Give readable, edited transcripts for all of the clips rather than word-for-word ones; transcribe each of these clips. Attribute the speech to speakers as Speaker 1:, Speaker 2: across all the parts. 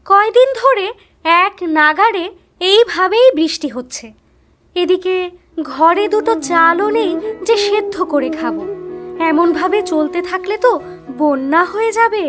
Speaker 1: কয়দিন ধরে এক নাগাড়ে এইভাবেই বৃষ্টি হচ্ছে। এদিকে ঘরে দুটো চালও নেই যে সেদ্ধ করে খাবো। এমনভাবে চলতে থাকলে তো বন্যা হয়ে যাবে।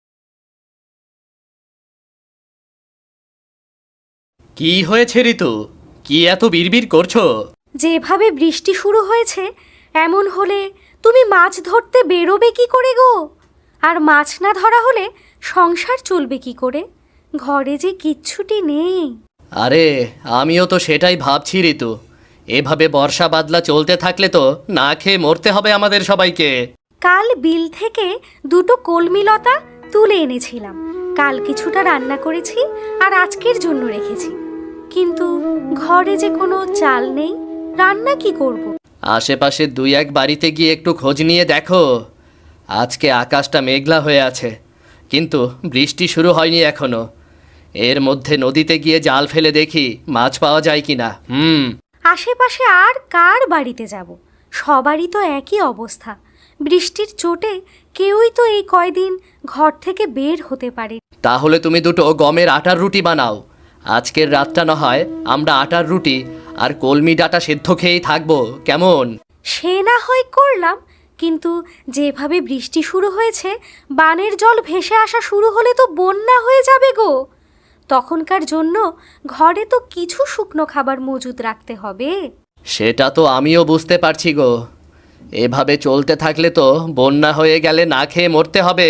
Speaker 2: কি হয়েছে ঋতু? কি এত বিড়বিড় করছো?
Speaker 1: যেভাবে বৃষ্টি শুরু হয়েছে এমন হলে তুমি মাছ ধরতে বেরোবে কি করে গো? আর মাছ না ধরা হলে সংসার চলবে কি করে? ঘরে যে কিচ্ছুটি নেই।
Speaker 2: আরে আমিও তো সেটাই ভাবছি ঋতু। এভাবে বর্ষা বাদলা চলতে থাকলে তো না খেয়ে মরতে হবে আমাদের সবাইকে।
Speaker 1: কাল বিল থেকে দুটো কলমি লতা তুলে এনেছিলাম। কাল কিছুটা রান্না করেছি আর আজকের জন্য রেখেছি। কিন্তু ঘরে যে কোনো চাল নেই, রান্না কি করব?
Speaker 2: আশেপাশে দুই এক বাড়িতে গিয়ে একটু খোঁজ নিয়ে দেখো। আজকে আকাশটা মেঘলা হয়ে আছে, কিন্তু বৃষ্টি শুরু হয়নি এখনো। এর মধ্যে নদীতে গিয়ে জাল ফেলে দেখি মাছ পাওয়া যায় কিনা।
Speaker 1: আশেপাশে আর কার বাড়িতে যাব? সবারই তো একই অবস্থা। বৃষ্টির চোটে কেউই তো এই কয়দিন ঘর থেকে বের হতে পারে।
Speaker 2: তাহলে তুমি দুটো গমের আটার রুটি বানাও। আজকের রাতটা না হয় আমরা আটার রুটি আর কলমি ডাঁটা সেদ্ধ খেয়েই থাকবো, কেমন?
Speaker 1: সে না হয় করলাম, কিন্তু যেভাবে বৃষ্টি শুরু হয়েছে বানের জল ভেসে আসা শুরু হলে তো বন্যা হয়ে যাবে গো। তখনকার জন্য ঘরে তো কিছু শুকনো খাবার মজুদ রাখতে হবে।
Speaker 2: সেটা তো আমিও বুঝতে পারছি গো। এভাবে চলতে থাকলে তো বন্যা হয়ে গেলে না খেয়ে মরতে হবে।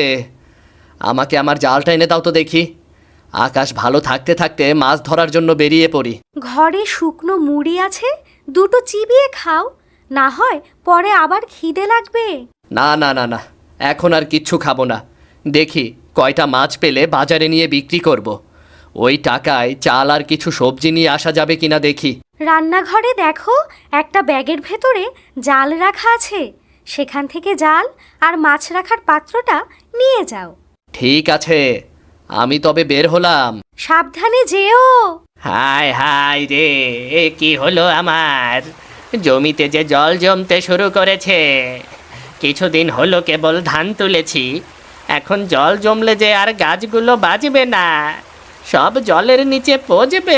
Speaker 2: আমাকে আমার জালটা এনে দাও তো দেখি। আকাশ ভালো থাকতে থাকতে মাছ ধরার জন্য বেরিয়ে পড়ি।
Speaker 1: ঘরে শুকনো মুড়ি আছে, দুটো চিবিয়ে খাও, না হয় পরে আবার খিদে লাগবে।
Speaker 2: না না না না, এখন আর কিচ্ছু খাবো না। দেখি কয়টা মাছ পেলে বাজারে নিয়ে বিক্রি করব। ওই টাকায় চাল আর কিছু সবজি নিয়ে আসা যাবে কিনা দেখি।
Speaker 1: রান্নাঘরে দেখো, একটা ব্যাগের ভেতরে জাল রাখা আছে। সেখান থেকে জাল আর মাছ রাখার পাত্রটা নিয়ে যাও।
Speaker 2: ঠিক আছে, আমি তবে বের হলাম।
Speaker 1: সাবধানে যেও।
Speaker 2: হায় হায় রে, এ কি হলো আমার? জমিতে যে জল জমতে শুরু করেছে। কিছুদিন হলো কেবল ধান তুলেছি, এখন জল জমলে যে আর গাছগুলো বাঁচবে না, সব জলের নিচে পচবে।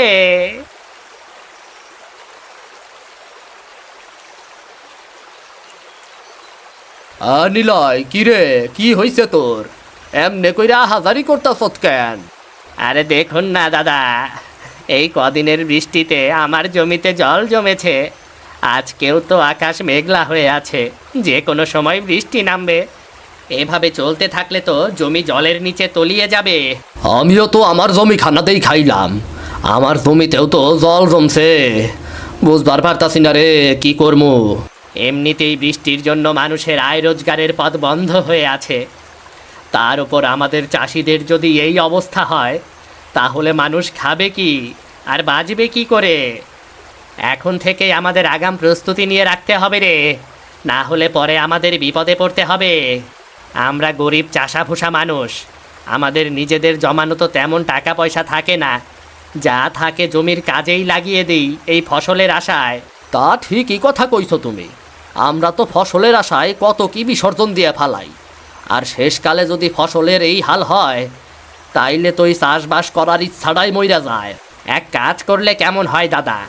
Speaker 2: নিলয়, কি রে, কি হইছে তোর? এমনে কইরা হাজারি করতাছত কেন? আরে দেখুন না দাদা, এই কদিনের বৃষ্টিতে আমার জমিতে জল জমেছে। আজকেও তো আকাশ মেঘলা হয়ে আছে, যে কোনো সময় বৃষ্টি নামবে। এভাবে চলতে থাকলে তো জমি জলের নিচে তলিয়ে যাবে। আমিও তো আমার জমি খানাতেই খাইলাম, আমার জমিতেও তো জল জমছে। বুঝবার পারতাছি না রে, কি করবো। এমনিতেই বৃষ্টির জন্য মানুষের আয় রোজগারের পথ বন্ধ হয়ে আছে, তার উপর আমাদের চাষিদের যদি এই অবস্থা হয়, তাহলে মানুষ খাবে কি আর বাঁচবে কি করে? এখন থেকেই আমাদের আগাম প্রস্তুতি নিয়ে রাখতে হবে রে, না হলে পরে আমাদের বিপদে পড়তে হবে। আমরা গরিব চাষাভুষা মানুষ, আমাদের নিজেদের জমানো তো তেমন টাকা পয়সা থাকে না। যা থাকে জমির কাজেই লাগিয়ে দিই এই ফসলের আশায়। তা ঠিকই কথা কইছো তুমি। আমরা তো ফসলের আশায় কত কি বিসর্জন দিয়ে ফালাই, আর শেষকালে যদি ফসলের এই হাল হয়, তাইলে তো এই চাষবাস করার ইচ্ছাটাই মইরা যায়। এক কাজ করলে কেমন হয় দাদা?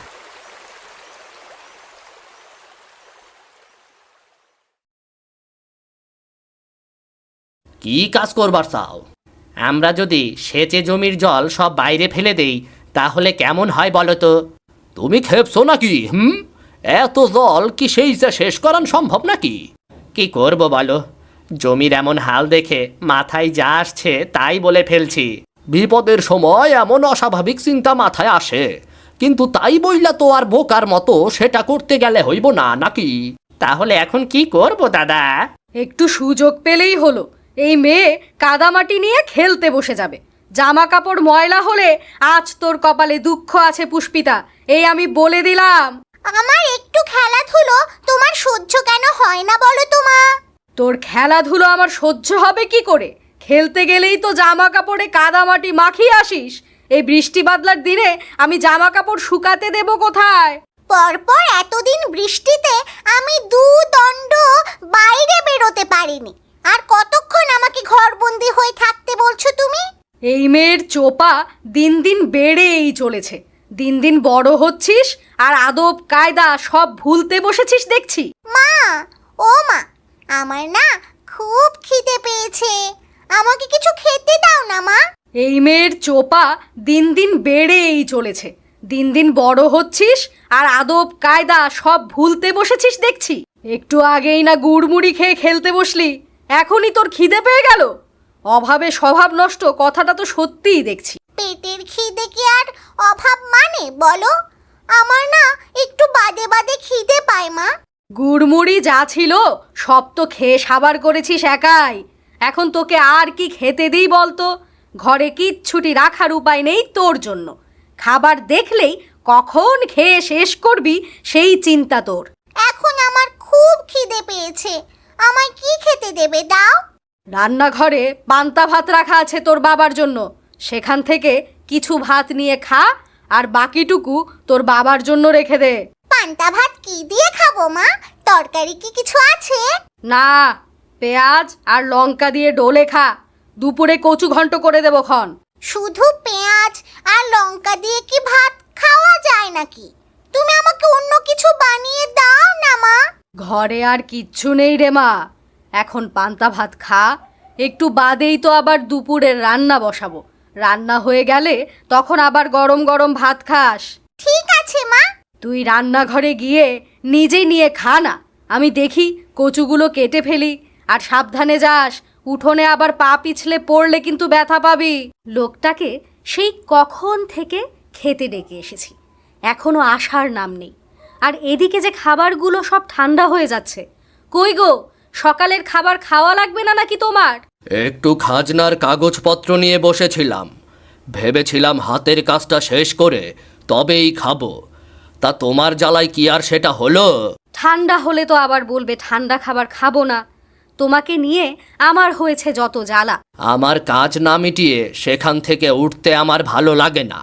Speaker 2: কি কাজ করবার চাও? আমরা যদি সেচে জমির জল সব বাইরে ফেলে দেই, তাহলে কেমন হয় বলো তো? তুমি খেপছো নাকি? এত জল কি সেই শেষ করান সম্ভব নাকি? কি করব বলো, জমির এমন হাল দেখে মাথায় যা আসছে তাই বলে ফেলছি। বিপদের সময় এমন অস্বাভাবিক চিন্তা মাথায় আসে, কিন্তু তাই বইলা তো আর বোকার মতো সেটা করতে গেলে হইব না নাকি? তাহলে এখন কি করব দাদা?
Speaker 3: একটু সুযোগ পেলেই হলো, এই মেয়ে কাদামাটি নিয়ে খেলতে বসে যাবে। জামা কাপড় ময়লা হলে আজ তোর কপালে দুঃখ আছে পুষ্পিতা, এই আমি বলে দিলাম।
Speaker 4: আমার একটু খেলাধুলো তোমার সহ্য কেন হয় না বলো তো মা?
Speaker 3: তোর খেলাধুলো আমার সহ্য হবে কি করে? খেলতে গেলেই তো জামা কাপড়ে কাদামাটি মাখিয়ে আসিস। এই বৃষ্টি বাদলার দিনে আমি জামা কাপড় শুকাতে দেব কোথায়?
Speaker 4: পরপর এতদিন বৃষ্টিতে আমি দণ্ড বাইরে বেরোতে পারিনি, আর কতক্ষণ আমাকে ঘরবন্দি হয়ে থাকতে বলছো তুমি?
Speaker 3: এই মেয়ের চোপা দিন দিন বেড়েই চলেছে। দিন দিন বড় হচ্ছিস আর আদব কায়দা সব ভুলতে বসেছিস দেখছি।
Speaker 4: মা, ও মা, আমার না খুব খিদে পেয়েছে, আমাকে কিছু খেতে দাও না মা।
Speaker 3: এই মেয়ের চোপা দিন দিন বেড়েই চলেছে। দিন দিন বড় হচ্ছিস আর আদব কায়দা সব ভুলতে বসেছিস দেখছি। একটু আগেই না গুড়মুড়ি খেয়ে খেলতে বসলি, এখনই তোর খিদে পেয়ে গেল? অভাবে স্বভাব নষ্ট কথাটা তো সত্যিই দেখছি।
Speaker 4: পেটের খিদে কি আর অভাব মানে বলো? আমার না একটু বাদে বাদে খিদে পায় মা।
Speaker 3: গুড়মুড়ি যা ছিল সব তো খেয়ে সাবার করেছিস একাই। এখন তোকে আর কি খেতে দিই বলতো? ঘরে কিচ্ছুটি রাখার উপায় নেই তোর জন্য। খাবার দেখলেই কখন খেয়ে শেষ করবি সেই চিন্তা তোর।
Speaker 4: এখন আমার খুব খিদে পেয়েছে, আমায় কি খেতে দেবে দাও?
Speaker 3: রান্নাঘরে পান্তা ভাত রাখা আছে তোর বাবার জন্য, সেখান থেকে কিছু ভাত নিয়ে খা, আর বাকিটুকু তোর বাবার জন্য রেখে দে।
Speaker 4: পান্তা ভাত কি দিয়ে খাবো মা? তরকারি কি কিছু আছে?
Speaker 3: না, পেঁয়াজ আর লঙ্কা দিয়ে ডোলে খা। দুপুরে কচু ঘন্ট করে দেবো খন।
Speaker 4: শুধু পেঁয়াজ আর লঙ্কা দিয়ে কি ভাত খাওয়া যায় নাকি? তুমি আমাকে অন্য কিছু বানিয়ে দাও না মা।
Speaker 3: ঘরে আর কিচ্ছু নেই রে মা, এখন পান্তা ভাত খা। একটু বাদেই তো আবার দুপুরের রান্না বসাবো। রান্না হয়ে গেলে তখন আবার গরম গরম ভাত খাস।
Speaker 4: ঠিক আছে মা।
Speaker 3: তুই রান্নাঘরে গিয়ে নিজেই নিয়ে খা না, আমি দেখি কচুগুলো কেটে ফেলি। আর সাবধানে যাস, উঠোনে আবার পা পিছলে পড়লে কিন্তু ব্যথা পাবি। লোকটাকে সেই কখন থেকে খেতে ডেকে এসেছি, এখনো আসার নাম নেই। আর এদিকে যে খাবারগুলো সব ঠান্ডা হয়ে যাচ্ছে। কই গো, সকালের খাবার খাওয়া লাগবে না নাকি তোমার?
Speaker 2: একটু খাজনার কাগজপত্র নিয়ে বসেছিলাম, ভেবেছিলাম হাতের কাজটা শেষ করে তবেই খাবো। তা তোমার জ্বালায় কি আর সেটা হলো?
Speaker 1: ঠান্ডা হলে তো আবার বলবে ঠান্ডা খাবার খাবো না। তোমাকে নিয়ে আমার হয়েছে যত জ্বালা।
Speaker 2: আমার কাজ না মিটিয়ে সেখান থেকে উঠতে আমার ভালো লাগে না।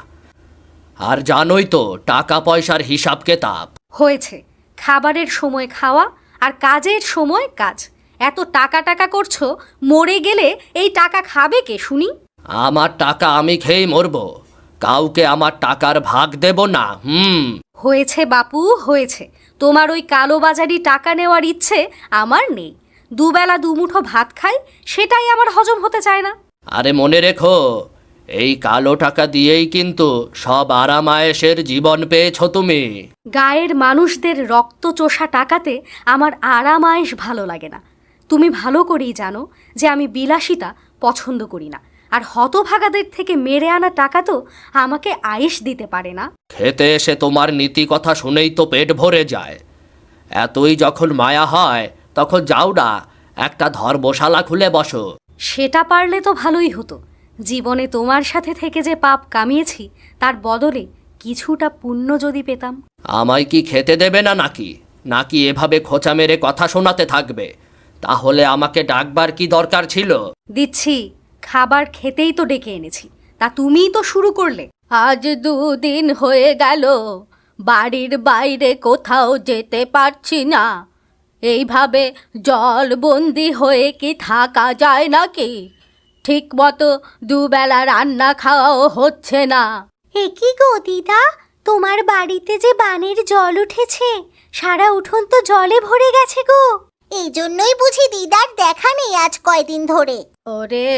Speaker 2: আর জানোই তো টাকা পয়সার হিসাব কেতাব।
Speaker 1: হয়েছে, খাবারের সময় খাওয়া আর কাজের সময় কাজ। এত টাকা টাকা করছো, মরে গেলে এই টাকা খাবে কে শুনি?
Speaker 2: আমার টাকা আমি খেয়েই মরবো, কাউকে আমার টাকার ভাগ দেব না।
Speaker 1: হয়েছে বাপু, হয়েছে। তোমার ওই কালোবাজারি টাকা নেওয়ার ইচ্ছে আমার নেই। দুবেলা দুমুঠো ভাত খাই, সেটাই আমার হজম হতে চায় না।
Speaker 2: আরে মনে রেখো, এই কালো টাকা দিয়েই কিন্তু সব আরামায়েশের জীবন পেয়েছো তুমি।
Speaker 1: গায়ের মানুষদের রক্ত চোষা টাকাতে আমার আরাম আয়েশ ভালো লাগে না। তুমি ভালো করেই জানো যে আমি বিলাসিতা পছন্দ করি না। আর হতভাগাদের থেকে মেরে আনা টাকা তো আমাকে আয়েশ দিতে পারে না।
Speaker 2: খেতে এসে তোমার নীতি কথা শুনেই তো পেট ভরে যায়। এতই যখন মায়া হয় তখন যাও না, একটা ধর্মশালা খুলে বসো।
Speaker 1: সেটা পারলে তো ভালোই হতো। জীবনে তোমার সাথে থেকে যে পাপ কামিয়েছি, তার বদলে কিছুটা পুণ্য যদি পেতাম।
Speaker 2: আমায় কি খেতে দেবে না নাকি? নাকি এভাবে খোঁচা মেরে কথা শোনাতে থাকবে? তাহলে আমাকে ডাকবার কি দরকার ছিল?
Speaker 1: দিচ্ছি, খাবার খেতেই তো ডেকে এনেছি, তা তুমিই তো শুরু করলে।
Speaker 3: আজ 2 দিন হয়ে গেল বাড়ির বাইরে কোথাও যেতে পারছি না। এইভাবে জলবন্দি হয়ে কি থাকা যায় নাকি? ঠিক মতো দুবেলা রান্না খাওয়াও হচ্ছে না।
Speaker 4: এ কি গো দিদা, তোমার বাড়িতে যে বানের জল উঠেছে, সারা উঠোন তো জলে ভরে গেছে গো। এই জন্যই বুঝি দিদার দেখা নেই আজ কয়দিন ধরে।
Speaker 3: ওরে,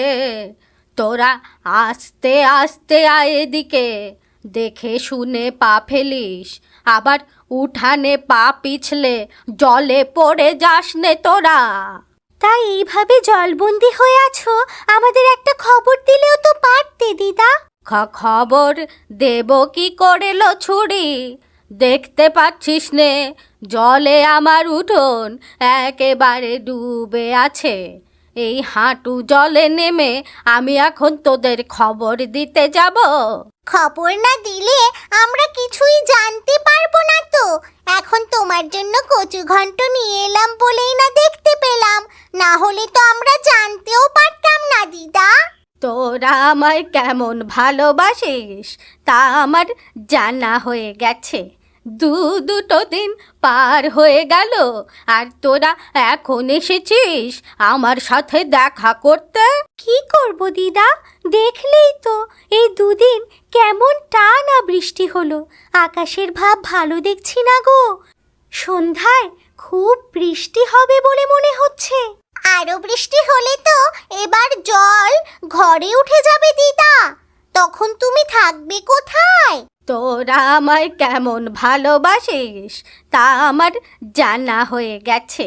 Speaker 3: তোরা আস্তে আস্তে আয় এদিকে, দেখে শুনে পা ফেলিস। আবার উঠানে পা পিছলে জলে পড়ে যাস নে তোরা।
Speaker 4: তাই এইভাবে জলবন্দি হয়ে আছো, আমাদের একটা খবর দিলেও তো পারতে দিদা।
Speaker 3: খবর দেব কি করে লো ছুরি? দেখতে পাচ্ছিস নে জলে আমার উঠোন একেবারে ডুবে আছে। এই হাঁটু জলে নেমে আমি এখন তোদের খবর দিতে যাব?
Speaker 4: খবর না দিলে আমরা কিছুই জানতে পারবো না তো। এখন তোমার জন্য কচু ঘন্ট নিয়ে এলাম বলেই না দেখতে পেলাম, না হলে তো আমরা জানতেও পারতাম না দিদা।
Speaker 3: তোরা আমায় কেমন ভালোবাসিস তা আমার জানা হয়ে গেছে। দুটো দিন পার হয়ে গেল আর তোরা এখন এসেছিস আমার সাথে দেখা করতে?
Speaker 1: কি করব দিদা, দেখলেই তো এই দুদিন কেমন টানা বৃষ্টি হলো। আকাশের ভাব ভালো দেখছি না গো। সন্ধ্যায় খুব বৃষ্টি হবে বলে মনে হচ্ছে।
Speaker 4: আরো বৃষ্টি হলে তো এবার জল ঘরে উঠে যাবে দিদা, তখন তুমি থাকবে কোথায়?
Speaker 3: তোরা আমায় কেমন ভালোবাসিস তা আমার জানা হয়ে গেছে।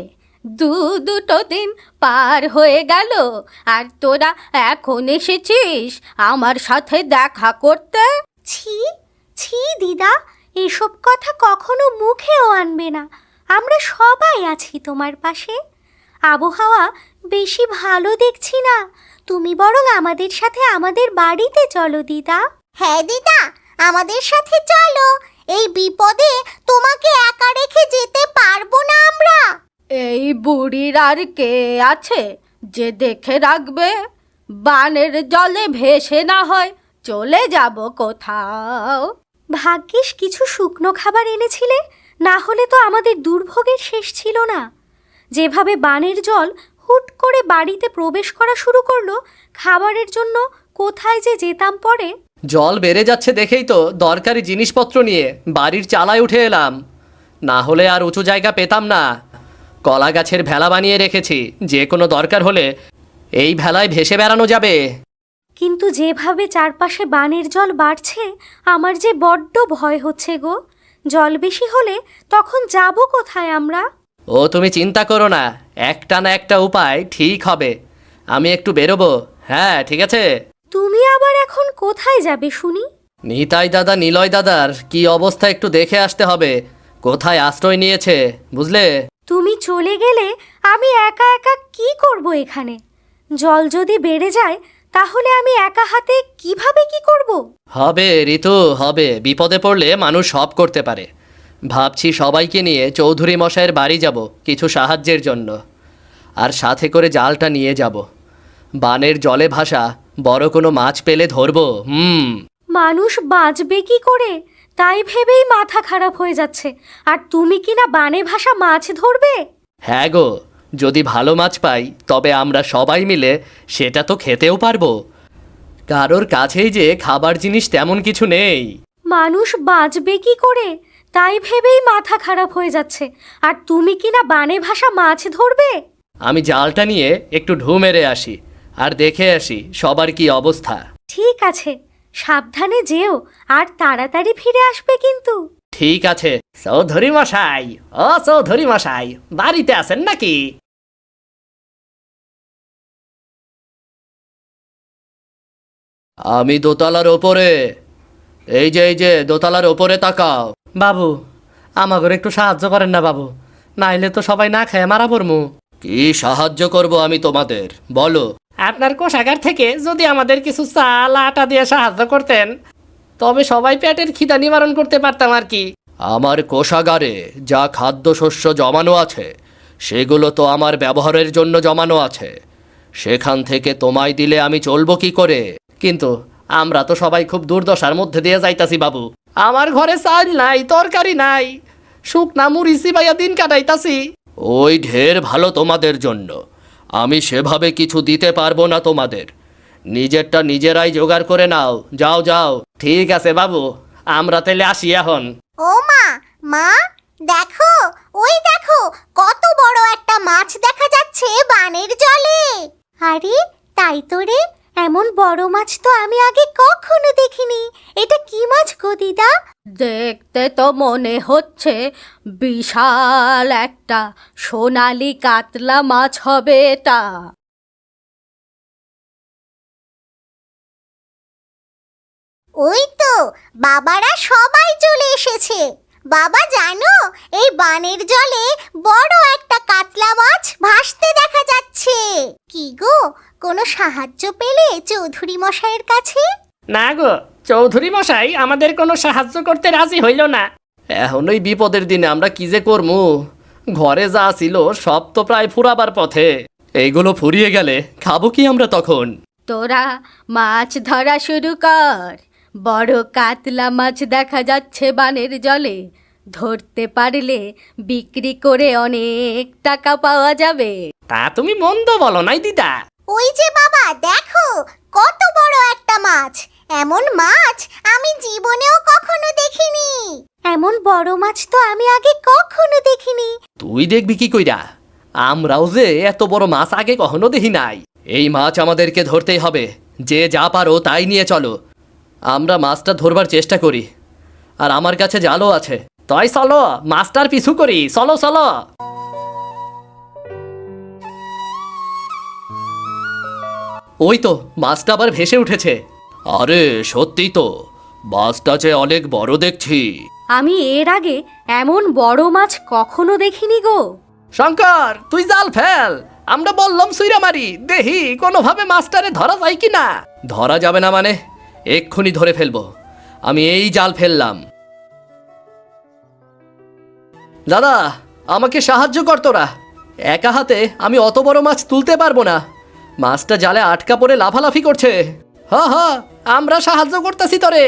Speaker 3: দুটো দিন পার হয়ে গেল আর তোরা এখন এসেছিস আমার সাথে দেখা করতে?
Speaker 1: ছি ছি দিদা, এসব কথা কখনো মুখেও আনবে না। আমরা সবাই আছি তোমার পাশে। আবহাওয়া বেশি ভালো দেখছি না, তুমি বরং আমাদের সাথে আমাদের বাড়িতে চলো দিদা।
Speaker 4: হ্যাঁ দিদা, আমাদের সাথে চলো। এই বিপদে তোমাকে একা রেখে যেতে পারবো না আমরা।
Speaker 3: এই বুড়ির আর কে আছে যে দেখে রাখবে? বানের জলে ভেসে না হয় চলে যাব কোথাও।
Speaker 1: ভাগ্যিস কিছু শুকনো খাবার এনেছিলে, না হলে তো আমাদের দুর্ভোগের শেষ ছিল না। যেভাবে বানের জল হুট করে বাড়িতে প্রবেশ করা শুরু করলো, খাবারের জন্য কোথায় যে যেতাম পরে।
Speaker 2: জল বেড়ে যাচ্ছে দেখেই তো দরকারি জিনিসপত্র নিয়ে বাড়ির চালায় উঠে এলাম, না হলে আর উঁচু জায়গা পেতাম না। কলা গাছের ভেলা বানিয়ে রেখেছি, যে কোনো দরকার হলে এই ভেলায় ভেসে বেড়ানো যাবে।
Speaker 1: কিন্তু যেভাবে চারপাশে বানের জল বাড়ছে, আমার যে বড্ড ভয় হচ্ছে গো। জল বেশি হলে তখন যাব কোথায় আমরা?
Speaker 2: ও তুমি চিন্তা করো না, একটা না একটা উপায় ঠিক হবে। আমি একটু বেরোবো। হ্যাঁ ঠিক আছে।
Speaker 1: তুমি আবার এখন কোথায় যাবে শুনি?
Speaker 2: নিতাই দাদা নিলয় দাদার কি অবস্থা একটু দেখে আসতে হবে, কোথায় আশ্রয় নিয়েছে বুঝলে।
Speaker 1: তুমি চলে গেলে আমি একা একা কি করব এখানে? জল যদি বেড়ে যায় তাহলে আমি একা হাতে কিভাবে কি করব?
Speaker 2: হবে ঋতু, হবে। বিপদে পড়লে মানুষ সব করতে পারে। ভাবছি সবাইকে নিয়ে চৌধুরী মশাইয়ের বাড়ি যাব কিছু সাহায্যের জন্য, আর সাথে করে জালটা নিয়ে যাব। বানের জলে ভাসা বড় কোনো মাছ পেলে ধরবো।
Speaker 1: মানুষ বাঁচবে কি করে তাই ভেবেই মাথা খারাপ হয়ে যাচ্ছে, আর তুমি কিনা বানে ভাসা মাছ ধরবে?
Speaker 2: হ্যাঁ গো, যদি ভালো মাছ পাই তবে আমরা সবাই মিলে সেটা তো খেতেও পারবো। কারোর কাছেই যে খাবার জিনিস তেমন কিছু নেই।
Speaker 1: মানুষ বাঁচবে কি করে তাই ভেবেই মাথা খারাপ হয়ে যাচ্ছে, আর তুমি কিনা বানে ভাসা মাছ ধরবে?
Speaker 2: আমি জালটা নিয়ে একটু ঢু মেরে আসি আর দেখে আসি সবার কি অবস্থা।
Speaker 1: ঠিক আছে, সাবধানে যেও আর তাড়াতাড়ি ফিরে আসবে কিন্তু।
Speaker 2: ঠিক আছে। চৌধুরী মশাই, ও চৌধুরী মশাই, বাড়িতে আছেন নাকি? আমি দোতলার ওপরে। এই যে দোতলার ওপরে তাকাও। বাবু, আমাকে একটু সাহায্য করেন না বাবু, নাইলে তো সবাই না খেয়ে মারা পড়মু। কি সাহায্য করব আমি তোমাদের, বলো। আপনার কোষাগার থেকে যদি আমাদের কিছু চাল আটা দিয়ে সাহায্য করতেন তবে সবাই পেটের খিদা নিবারণ করতে পারতাম আর কি। আমার কোষাগারে যা খাদ্যশস্য জমানো আছে সেগুলো তো আমার ব্যবহারের জন্য জমানো আছে, সেখান থেকে তোমায় দিলে আমি চলবো কি করে? কিন্তু আমরা তো সবাই খুব দুর্দশার মধ্যে দিয়ে যাইতাছি বাবু। আমার ঘরে চাল নাই, তরকারি নাই, শুকনা মুড়ি চিবাইয়া দিন কাটাইতাছি। ওই ঢের ভালো তোমাদের জন্য, আমি সেভাবে কিছু দিতে পারবো না তোমাদের। নিজেরটা নিজেরাই জোগাড় করে নাও, যাও যাও। ঠিক আছে বাবু, আমরা তাহলে আসি এখন।
Speaker 4: ও মা, মা দেখো, ওই দেখো কত বড় একটা মাছ দেখা যাচ্ছে বানের জলে।
Speaker 1: আরে তাই তো রে, এমন বড় মাছ তো আমি আগে কখনো দেখিনি। এটা কি মাছ গো দিদা?
Speaker 3: দেখতে তো মনে হচ্ছে বিশাল একটা সোনালি কাতলা মাছ হবে এটা।
Speaker 4: ওই তো বাবারা সবাই চলে এসেছে। বাবা জানো, এই বানের জলে বড় একটা কাতলা মাছ ভাসতে দেখা যাচ্ছে। কি গো, কোনো সাহায্য পেলে চৌধুরী মশাইয়ের কাছে?
Speaker 2: না গো, চৌধুরী মশাই আমাদের কোনো সাহায্য করতে রাজি হইল না। এখন ওই বিপদের দিনে আমরা কি যে করমু, ঘরে যা ছিল সব তো প্রায় ফুরাবার পথে। এইগুলো ফুরিয়ে গেলে খাবো কি আমরা তখন?
Speaker 3: তোরা মাছ ধরা শুরু কর। বড় কাতলা মাছ দেখা যাচ্ছে বানের জলে, ধরতে পারলে বিক্রি করে অনেক টাকা পাওয়া যাবে।
Speaker 2: তা তুমি মন্দ বলো নাই দিদা।
Speaker 4: ওই যে বাবা দেখো, কত বড় একটা মাছ! এমন মাছ আমি জীবনেও কখনো দেখিনি।
Speaker 1: এমন বড় মাছ তো আমি আগে কখনো দেখিনি।
Speaker 2: তুই দেখবি কি কইরা? আমরাও যে এত বড় মাছ আগে কখনো দেখি নাই। এই মাছ আমাদেরকে ধরতেই হবে। যে যা পারো তাই নিয়ে চলো, আমরা মাছটা ধরবার চেষ্টা করি। আর আমার কাছে জালও আছে, তাই চলো মাছটার পিছু করি। চলো চলো। ওই তো মাছটা আবার ভেসে উঠেছে। আরে সত্যি তো, মাছটা যে অনেক বড় দেখছি।
Speaker 3: আমি এর আগে এমন বড় মাছ কখনো দেখিনি গো।
Speaker 2: শঙ্কর, তুই জাল ফেল। আমরা বললাম সুইরা মারি, দেখি কোনোভাবে মাছটারে ধরা যায় কি না। ধরা যাবে না মানে? এক্ষুনি ধরে ফেলবো। আমি এই জাল ফেললাম। দাদা, আমাকে সাহায্য কর তোরা। একা হাতে আমি অত বড় মাছ তুলতে পারবো না। মাছটা জালে আটকা পড়ে লাফালাফি করছে। হ্যাঁ হ্যাঁ, আমরা সাহায্য করতেছি তোরে।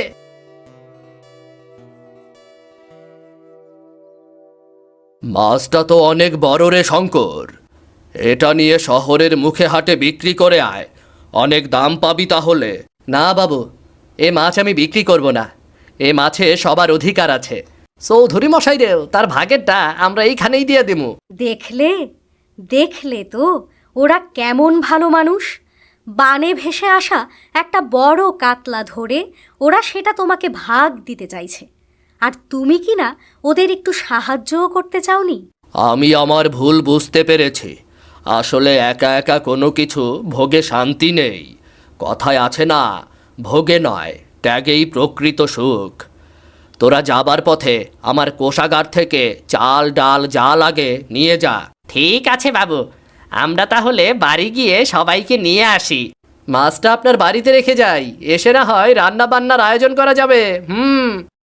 Speaker 2: মাছটা তো অনেক বড় রে শঙ্কর। এটা নিয়ে শহরের মুখে হাটে বিক্রি করে আয়, অনেক দাম পাবি তাহলে। না বাবু, এ মাছ আমি বিক্রি করব না। এ মাছে সবার অধিকার আছে। চৌধুরী মশাই রেও তার ভাগেরটা আমরা এইখানেই দিয়ে দিমু।
Speaker 3: দেখলে দেখলে তো ওরা কেমন ভালো মানুষ। বানে ভেসে আসা একটা বড় কাতলা ধরে ওরা সেটা তোমাকে ভাগ দিতে চাইছে, আর তুমি কি না ওদের একটু সাহায্যও করতে চাওনি?
Speaker 2: আমি আমার ভুল বুঝতে পেরেছি। আসলে একা একা কোনো কিছু ভোগে শান্তি নেই। কথায় আছে না, ভোগে নয় ত্যাগেই প্রকৃত সুখ। তোরা যাবার পথে আমার কোষাগার থেকে চাল ডাল যা লাগে নিয়ে যা। ঠিক আছে বাবু, আমরা তাহলে বাড়ি গিয়ে সবাইকে নিয়ে আসি। মাছটা আপনার বাড়িতে রেখে যাই, এসে না হয় রান্না বান্নার আয়োজন করা যাবে।